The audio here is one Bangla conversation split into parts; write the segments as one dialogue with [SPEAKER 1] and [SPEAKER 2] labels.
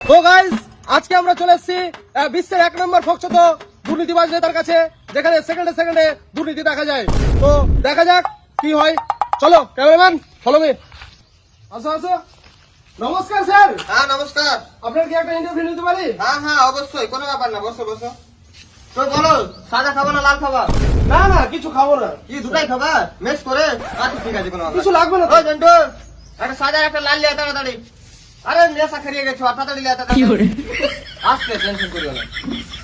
[SPEAKER 1] তো গাইস আজকে আমরা চলে এসেছি বিশ্বের 1 নম্বর ফকচত দুর্নীতিবাজ নেতার কাছে, যেখানে সেকেন্ডে সেকেন্ডে দুর্নীতি দেখা যায়। তো দেখা যাক কি হয়। চলো ক্যামেরাম্যান, ফলো মি। আসো আসো। নমস্কার স্যার।
[SPEAKER 2] হ্যাঁ নমস্কার।
[SPEAKER 1] আপনার কি একটা ইন্টারভিউ নিতে পারি?
[SPEAKER 2] হ্যাঁ হ্যাঁ অবশ্যই, কোনো ব্যাপার না, বসো বসো। তো বলো, সাদা খাবা না লাল খাবা?
[SPEAKER 1] না না, কিছু খাবো না।
[SPEAKER 2] কি দুটাই খাবা মেস করে? আচ্ছা ঠিক আছে, কোনো ব্যাপার
[SPEAKER 1] কিছু লাগবে না তো?
[SPEAKER 2] ওই জন্টু, একটা সাদা একটা লাল লিয়া তাড়াতাড়ি। আরে নেশা খেয়ে গেছো, তাড়াতাড়ি লিয়া তাড়াতাড়ি। আসতে টেনশন করিও না।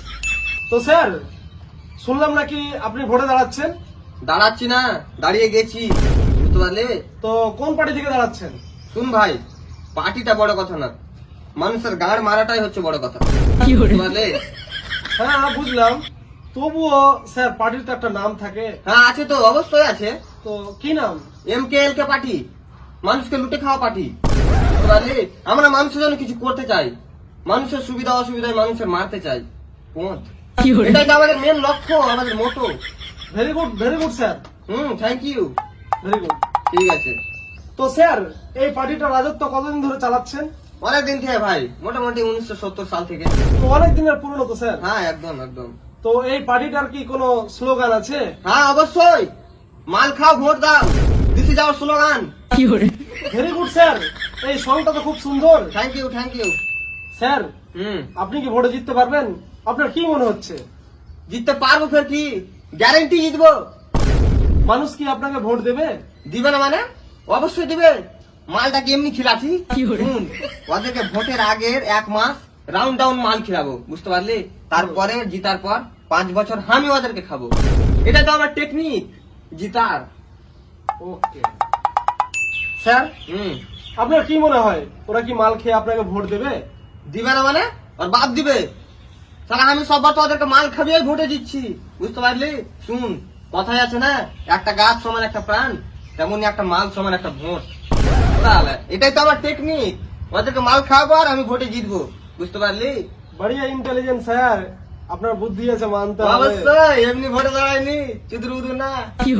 [SPEAKER 1] তো স্যার, শুনলাম নাকি আপনি ভোটে দাঁড়াচ্ছেন?
[SPEAKER 2] দাঁড়াচ্ছি না, দাঁড়িয়ে গেছি, বুঝতে পারলে?
[SPEAKER 1] তো কোন পার্টি থেকে দাঁড়াচ্ছেন?
[SPEAKER 2] শুন ভাই, পার্টিটা বড় কথা না, মানুষের গাড় মারাটাই হচ্ছে বড় কথা, বুঝতে পারলে?
[SPEAKER 1] হ্যাঁ বুঝলাম, তবুও স্যার পার্টির তো একটা নাম থাকে।
[SPEAKER 2] হ্যাঁ আছে তো, অবশ্যই আছে।
[SPEAKER 1] তো কি নাম?
[SPEAKER 2] MKLK পার্টি, মানুষকে লুটে খাওয়া পার্টি, বুঝতে পারলি? আমরা মানুষের জন্য কিছু করতে চাই, মানুষের সুবিধা অসুবিধায় মানুষের মারতে চাই। পথ এটাই তো আমাদের মেন লক্ষ্য, আমাদের motto.
[SPEAKER 1] Very good sir.
[SPEAKER 2] Thank you.
[SPEAKER 1] Very good.
[SPEAKER 2] ঠিক আছে।
[SPEAKER 1] তো স্যার, এই পার্টিটা রাজত্ব কতদিন ধরে চালাচ্ছেন?
[SPEAKER 2] অনেকদিন থেকে ভাই, মোটামুটি 1970 সাল থেকে।
[SPEAKER 1] তো অনেক দিনের পুরনো তো স্যার।
[SPEAKER 2] হ্যাঁ একদম একদম।
[SPEAKER 1] তো এই পার্টিটার কি কোনো স্লোগান আছে?
[SPEAKER 2] হ্যাঁ অবশ্যই, মাল খাও ভোট দাও, this is our slogan.
[SPEAKER 1] Very good sir, এই সংটা তো খুব সুন্দর।
[SPEAKER 2] Thank you thank you.
[SPEAKER 1] Sir, আপনি কি ভোটে জিততে পারবেন? আপনার কি মনে হচ্ছে?
[SPEAKER 2] জিততে পারবো, ফের কি গ্যারেন্টি জিতবো।
[SPEAKER 1] মানুষ কি আপনাকে ভোট দেবে?
[SPEAKER 2] দিবে না মানে? অবশ্যই দিবে। মালটা কি এমনি খিলাছি? ওদেরকে ভোটের আগের 1 মাস রাউন্ড ডাউন মাল খিলাবো, বুঝতে পারলি? তারপরে জিতার পর 5 বছর আমি ওদেরকে খাবো। এটা তো আমার টেকনিক জিতার।
[SPEAKER 1] ওকে স্যার, আপনার কি মনে হয় ওরা কি মাল খেয়ে আপনাকে ভোট দেবে?
[SPEAKER 2] দিবে না মানে? আর বাপ দিবে। সারা আমি সববার তো ওদেরকে মাল খাবিয়ে ভোটে দিচ্ছি, বুঝতে পারলি? শুন, কথাই আছে না, একটা গাছ সমান একটা প্রাণ, তেমনি একটা মাল সমান একটা ভোট। তাহলে এটাই তো আমার টেকনিক, ওদেরকে মাল খাওয়াবো আর আমি ভোটে জিতবো, বুঝতে পারলি?
[SPEAKER 1] বড়িয়া ইন্টেলিজেন্ট স্যার, আপনার বুদ্ধি আছে মানতে হবে।
[SPEAKER 2] অবশ্যই, এমনি ভোটে দাঁড়ায়নি, চুদুর উদুর না।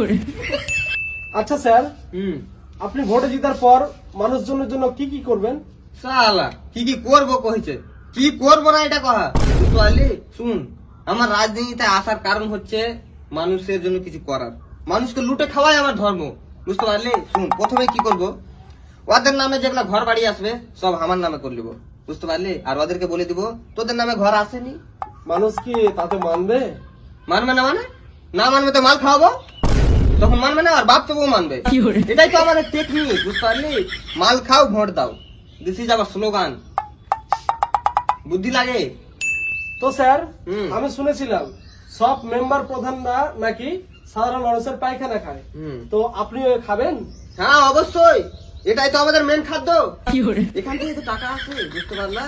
[SPEAKER 1] আচ্ছা স্যার, আপনি ভোটে জিতার পর মানুষজনের জন্য কি কি করবেন?
[SPEAKER 2] সালা কি কি করবো কইছে, কি করবো না এটা কহা, বুঝতে পারলি? শুন, আমার রাজনীতিতে আসার কারণ হচ্ছে মানুষের জন্য কিছু করার, মানুষকে লুটে খাওয়াই আমার ধর্ম, বুঝতে পারলি? শুন, প্রথমে কি করব, ওদের নামে যেগুলা ঘর বাড়ি আসবে সব আমার নামে করে নিবো, বুঝতে পারলি? আর ওদেরকে বলে দিব তোদের নামে ঘর আসেনি।
[SPEAKER 1] মানুষ কি তাতে মানবে?
[SPEAKER 2] মানবে না মানে? না মানবে তো মাল খাওয়াবো, তখন মানবে না, আর বাপ তো বউ মানবে। এটাই তো আমাদের টেকনিক, বুঝতে পারলি? মাল খাও ভোট দাও, দিস ইজ আওয়ার স্লোগান। বুদ্ধি লাগে
[SPEAKER 1] তো স্যার, আমি শুনেছিলাম সব মেম্বার প্রধানরা নাকি সাধারণ মানুষের পায়খানা খায়, তো আপনিও খাবেন?
[SPEAKER 2] হ্যাঁ অবশ্যই, এটাই তো আমাদের মেন খাদ্য, এখান থেকে তো টাকা আছে, বুঝতে পারলা?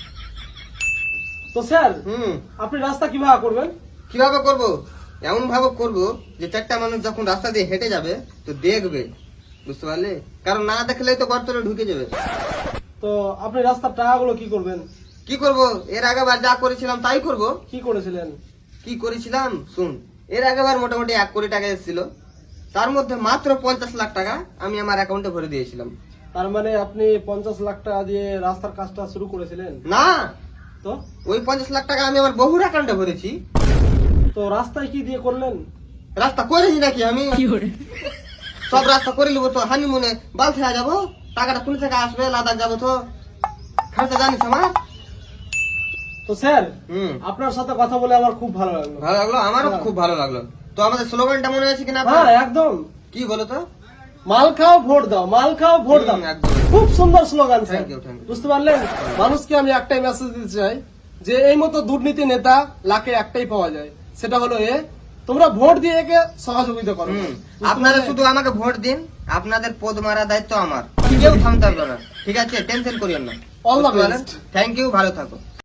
[SPEAKER 1] তো স্যার, আপনি রাস্তা কিভাবে করবেন?
[SPEAKER 2] কিভাবে করব? এমন ভাবে করব যে 4টা মানুষ যখন রাস্তা দিয়ে হেঁটে যাবে তো দেখবে, বুঝতে পারলে? কারণ না দেখলে তো গর্তরে ঢুকে যাবে।
[SPEAKER 1] তো আপনি রাস্তার টাকাগুলো কি করবেন?
[SPEAKER 2] কি করব? এর আগেবার যা করেছিলাম তাই করব।
[SPEAKER 1] কি করেছিলেন?
[SPEAKER 2] কি করেছিলাম শুন, এর আগেবার মোটামুটি 1 কোটি টাকা এসেছিল, তার মধ্যে মাত্র 50 লাখ টাকা আমি আমার অ্যাকাউন্টে ভরে দিয়েছিলাম।
[SPEAKER 1] তার মানে আপনি 50 লাখ টাকা দিয়ে রাস্তার কাজটা শুরু করেছিলেন?
[SPEAKER 2] না,
[SPEAKER 1] তো
[SPEAKER 2] ওই 50 লাখ টাকা আমি আমার বহুর অ্যাকাউন্টে ভরেছি।
[SPEAKER 1] তো রাস্তায় কি দিয়ে করলেন?
[SPEAKER 2] রাস্তা করেছি নাকি আমি? সব রাস্তা করে নিবো তো, হানিমুনে বালথা যাবো, টাকাটা কোন থেকে আসবে, লাদাখ যাবো তো, খরচা জানিস আমার।
[SPEAKER 1] তো স্যার, আপনার সাথে কথা বলে আমার খুব ভালো লাগলো।
[SPEAKER 2] ভালো লাগলো, আমারও খুব ভালো লাগলো। তো আমাদের স্লোগানটা মনে আছে কিনা?
[SPEAKER 1] হ্যাঁ একদম।
[SPEAKER 2] কি বলো তো?
[SPEAKER 1] মাল খাও ভোট দাও, মাল খাও ভোট দাও।
[SPEAKER 2] একদম
[SPEAKER 1] খুব সুন্দর slogan sir,
[SPEAKER 2] Thank you, thank you.
[SPEAKER 1] বুঝতে পারলেন? মানুষকে আমি একটাই মেসেজ দিতে চাই যে এই মতো দুর্নীতি নেতা লাখে একটাই পাওয়া যায়, সেটা হলো তোমরা ভোট দিয়ে একে সহযোগিতা করো।
[SPEAKER 2] আপনারা শুধু আমাকে ভোট দিন, আপনাদের পদ মারা দায়িত্ব আমার, কেউ থামতে পারবে না, ঠিক আছে? টেনশন করিও না।
[SPEAKER 1] All the best.
[SPEAKER 2] Thank you, ভালো থাকো।